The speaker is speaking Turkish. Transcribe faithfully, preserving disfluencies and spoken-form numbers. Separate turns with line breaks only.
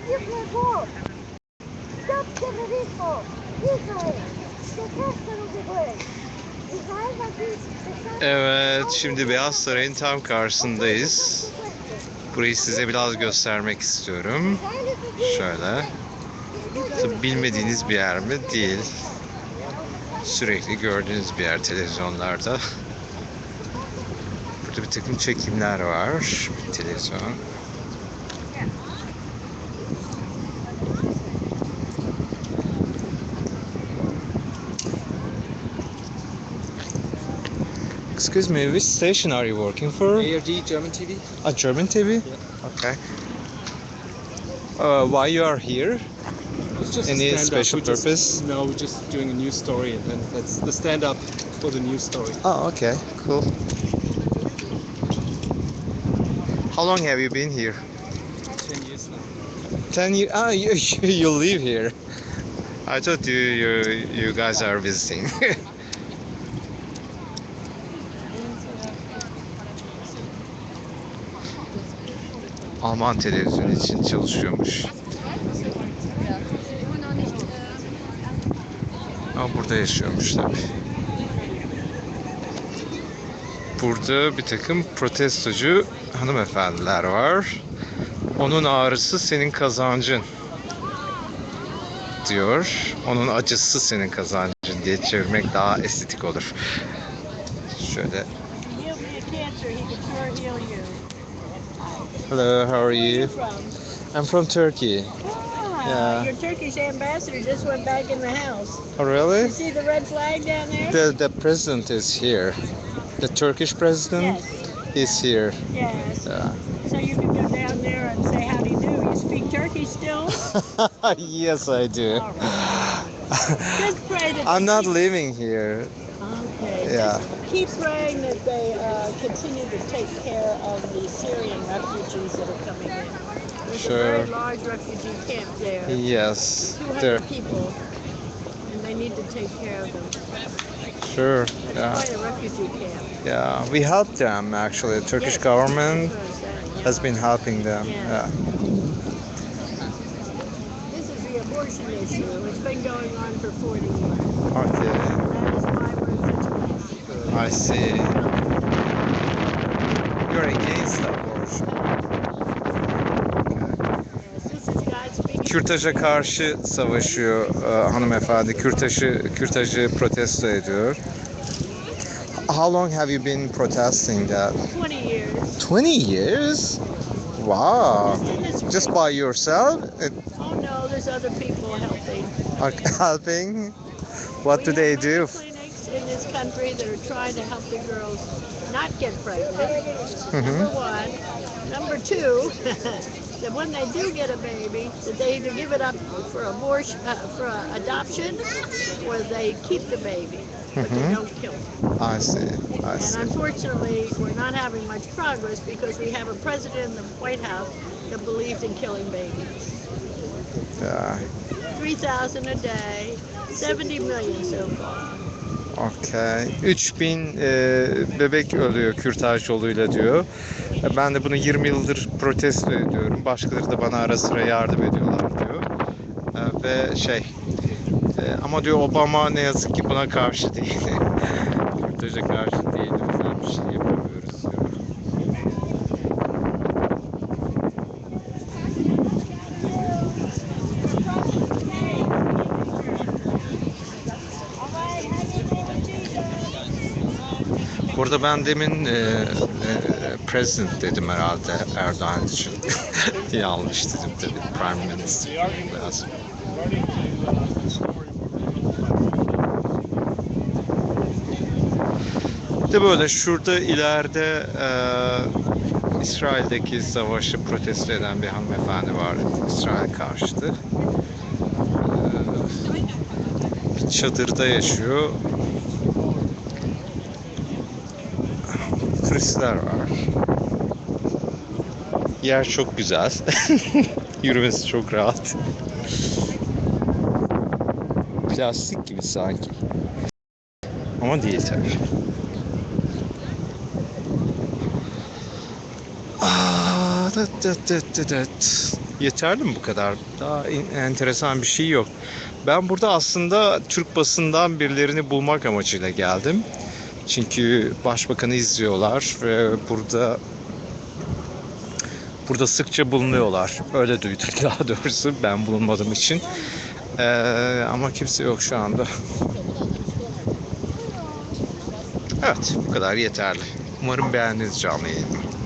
Evet, şimdi Beyaz Saray'ın tam karşısındayız. Burayı size biraz göstermek istiyorum. Şöyle. Tabii bilmediğiniz bir yer mi? Değil. Sürekli gördüğünüz bir yer televizyonlarda. Burada bir takım çekimler var. Bir televizyon. Excuse me, which station are you working for?
A R D German T V.
A German T V?
Yeah.
Okay. Uh, why you are here?
It's just
Any
a stand-up.
special
We're just-
purpose?
no, we're just doing a news story, and then that's the stand-up for the news story.
Oh, okay, cool. How long have you been here?
Ten years now.
Ten years. Ah, you, you live here. I thought you you you guys are visiting. Alman televizyonu için çalışıyormuş. Ama burada yaşıyormuş tabii. Burada bir takım protestocu hanımefendiler var. Onun ağrısı senin kazancın diyor. Onun acısı senin kazancın diye çevirmek daha estetik olur. Şöyle. Hello, how are you? I'm from Turkey.
Ah,
Yeah.
your Turkish ambassador just went back in the house.
Oh, really?
You see the red flag down there?
The the president is here. The Turkish president
Yes.
is here.
Yes.
Yeah.
So you can go down there and say howdy do. You speak Turkish still?
Yes, I do.
All right. Just pray that.
I'm
they
not
keep-
living here.
Okay.
Yeah.
Just keep praying that they uh, continue to take care of the Syrian refugees that are coming in. There's
Sure.
a very large refugee camp there.
Yes.
two hundred
There.
people, and they need to take care of them.
Sure.
It's
Yeah.
quite a refugee camp.
Yeah. We helped them actually. The Turkish
Yes,
government
that's what I'm saying, yeah.
has been helping them.
Yeah.
Yeah.
This is the abortion issue. It's been going on for forty years.
Okay.
That is why we're in such a mess.
I see. You're against abortion.
Yes, this is God speaking.
Kürtaja karşı savaşıyor e, hanımefendi. Kürtajı Kürtajı protesto ediyor. How long have you been protesting that?
twenty years.
twenty years? Wow.
Just in this
Just by yourself? It-
Oh no, there's other people helping.
are helping? What do
We
they
have many
do?
clinics in this country that are trying to help the girls not get pregnant.
Mhm.
Number one. Number two, that when they do get a baby, that they either give it up for abortion, uh, for uh, adoption, or they keep the baby, but they
Mhm.
don't kill it.
I see. I
And
see.
unfortunately, we're not having much progress because we have a president in the White House that believes in killing babies.
Yeah.
three thousand a day, seventy million so far.
Okay. üç bin e, bebek ölüyor kürtaj yoluyla diyor. E, Ben de bunu yirmi yıldır protesto ediyorum. Başkaları da bana ara sıra yardım ediyorlar diyor. E, ve şey e, ama diyor Obama ne yazık ki buna karşı değil. Kürtaja karşı değil. O yüzden bir şey yapamıyoruz diyor. Burada ben demin e, e, president dedim herhalde Erdoğan için. Yanlış dedim tabii. Prime Minister lazım. Bir de böyle şurada ileride e, İsrail'deki savaşı protesto eden bir hanımefendi var. İsrail karşıtı. E, bir çadırda yaşıyor. Turistler var. Yer çok güzel. Yürümesi çok rahat. Plastik gibi sanki. Ama değil tabii. Aa, dıt dıt dıt dıt dıt. Yeterli mi bu kadar? Daha in- enteresan bir şey yok. Ben burada aslında Türk basından birilerini bulmak amacıyla geldim. Çünkü başbakanı izliyorlar ve burada burada sıkça bulunuyorlar. Öyle duyduk daha doğrusu, ben bulunmadığım için. Ee, ama kimse yok şu anda. Evet, bu kadar yeterli. Umarım beğendiniz canlı yayını.